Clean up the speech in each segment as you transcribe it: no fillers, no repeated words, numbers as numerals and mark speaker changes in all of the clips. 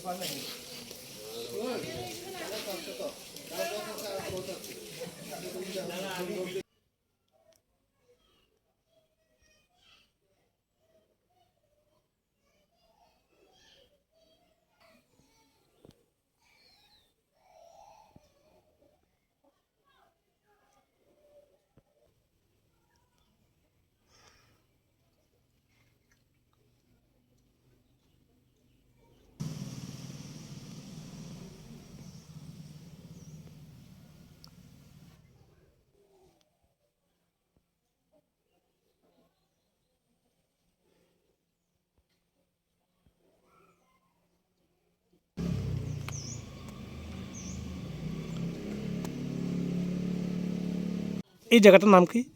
Speaker 1: এই জায়গাটার নাম কি?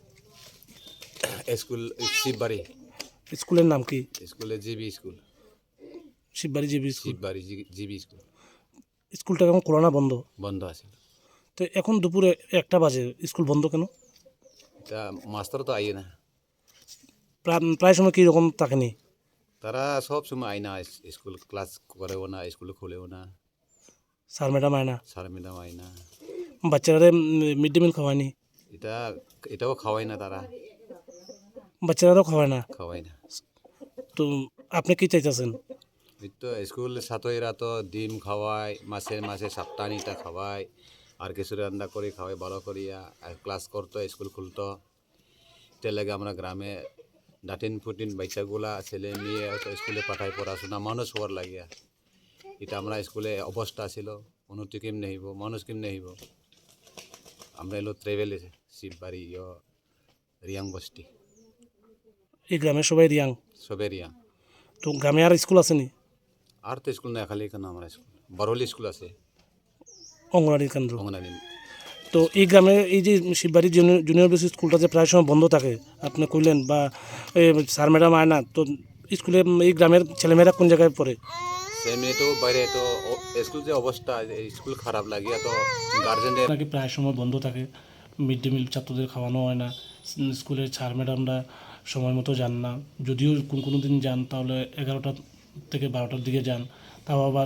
Speaker 2: স্কুল শিববাড়ি।
Speaker 1: স্কুলের নাম কি?
Speaker 2: স্কুলে GB school.
Speaker 1: Shibbari GB school.
Speaker 2: Shibbari GB school.
Speaker 1: স্কুলটা এখন খোলা না বন্ধ?
Speaker 2: বন্ধ আছে।
Speaker 1: তো এখন দুপুরে 1টা বাজে, স্কুল বন্ধ কেন?
Speaker 2: তা মাস্টার তো আইয়ে না,
Speaker 1: প্রায় সময় কীরকম থাকেনি?
Speaker 2: তারা সব সময় আয় না, স্কুল ক্লাস করেও না, স্কুল খুলেও না,
Speaker 1: স্যার ম্যাডাম আয় না,
Speaker 2: স্যার ম্যাডাম আয় না।
Speaker 1: বাচ্চারা মিড ডে মিল খাওয়ায়নি?
Speaker 2: এটাও খাওয়ায় না, তারা
Speaker 1: বাচ্চারাও খাওয়ায় না?
Speaker 2: খাওয়ায় না।
Speaker 1: তো আপনি কি চাইতেছেন?
Speaker 2: এই তো স্কুল ছাত্রীরা তো ডিম খাওয়ায়, মাসে মাসে সপ্তাহনিটা খাওয়ায়, আর কিছু রান্না করে খাওয়ায় ভালো করিয়া, আর ক্লাস করতো, স্কুল খুলতো। এটার লাগে আমরা গ্রামে ডাটিন ফুটিন বাচ্চাগুলা ছেলে মেয়ে স্কুলে পাঠায় পড়াশোনা মানুষ হওয়ার লাগিয়া। এটা আমরা স্কুলে অবস্থা ছিল, উন্নতি কেমনে হইব, মানুষ কেমনে হইব। আমরা এলো ট্রেভেলে শিববাড়ি রিয়াং বস্তি।
Speaker 1: এই গ্রামের সবাই রিয়াং?
Speaker 2: সবে রিয়াং।
Speaker 1: তো গ্রামে আর স্কুল আসেনি?
Speaker 2: আর তো স্কুল নাই, খালি কেন আমরা স্কুল বরহলি স্কুল আছে,
Speaker 1: অঙ্গনারী কেন্দ্র।
Speaker 2: অঙ্গনারী।
Speaker 1: তো এই গ্রামে এই যে শিববাড়ি জুনিয়র বেসিক স্কুলটা যে প্রায় সময় বন্ধ থাকে আপনি কইলেন, বা স্যার ম্যাডাম আয় না, তো স্কুলে এই গ্রামের ছেলেমেয়েরা কোন জায়গায় পড়ে?
Speaker 2: সে মেয়ে তো বাইরে, তো স্কুল যে অবস্থা, স্কুল খারাপ লাগিয়া তো গার্জেনদের
Speaker 1: নাকি প্রায় সময় বন্ধ থাকে, মিড ডে মিল ছাত্রদের খাওয়ানো হয় না, স্কুলের স্যার ম্যাডামরা সময় মতো যান না, যদিও কোনো দিন যান তাহলে 11টা থেকে 12টার দিকে যান, তাও আবার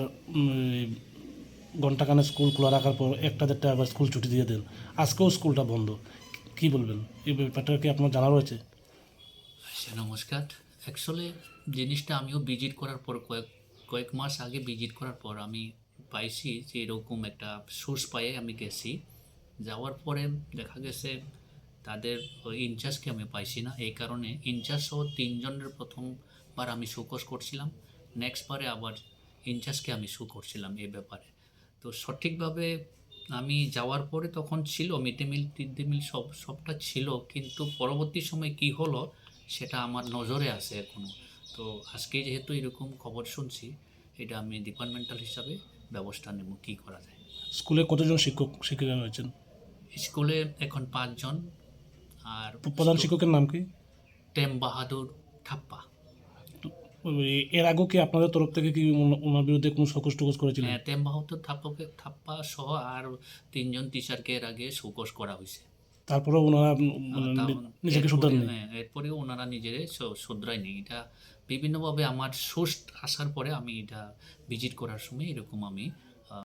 Speaker 1: ঘন্টাখানে স্কুল খোলা রাখার পর 1টা-1:30 আবার স্কুল ছুটি দিয়ে দেন। আজকেও স্কুলটা বন্ধ, কি বলবেন? এই ব্যাপারটা কি আপনার জানা রয়েছে?
Speaker 3: নমস্কার। অ্যাকচুয়ালি জিনিসটা আমিও ভিজিট করার পর কয়েক মাস আগে ভিজিট করার পর আমি পাইছি যে এরকম একটা সোর্স পাইয়ে আমি গেছি। যাওয়ার পরে দেখা গেছে তাদের ইনচার্জকে আমি পাইছি না, এই কারণে ইনচার্জ সহ 3 জনের প্রথমবার আমি শোকজ করছিলাম, নেক্সট বারে আবার ইনচার্জকে আমি শো করছিলাম এই ব্যাপারে। তো সঠিকভাবে আমি যাওয়ার পরে তখন ছিল mid day meal mid day meal সবটা ছিল, কিন্তু পরবর্তী সময় কি হলো সেটা আমার নজরে আছে এখনও। তো আজকে যেহেতু এরকম খবর শুনছি, এটা আমি ডিপার্টমেন্টাল হিসাবে ব্যবস্থা নেব কী করা যায়।
Speaker 1: স্কুলে কতজন শিক্ষিকা রয়েছেন?
Speaker 3: স্কুলে এখন 5 জন। আর
Speaker 1: প্রধান শিক্ষকের নাম কি?
Speaker 3: টেম বাহাদুর থাপ্পা।
Speaker 1: এর আগেও কি আপনাদের তরফ থেকে কি ওনার বিরুদ্ধে কোনো শোকজ টোকজ করেছিলেন?
Speaker 3: হ্যাঁ, টেম বাহাদুর থাপ্পা সহ আর 3 জন টিচারকে এর আগে শোকজ করা হয়েছে।
Speaker 1: তারপরেও ওনারা নিজেকে শুধরাননি?
Speaker 3: হ্যাঁ, এরপরেও ওনারা নিজেরা শুধরায়নি। এটা বিভিন্নভাবে আমার সোর্স আসার পরে আমি এটা ভিজিট করার সময় এরকম আমি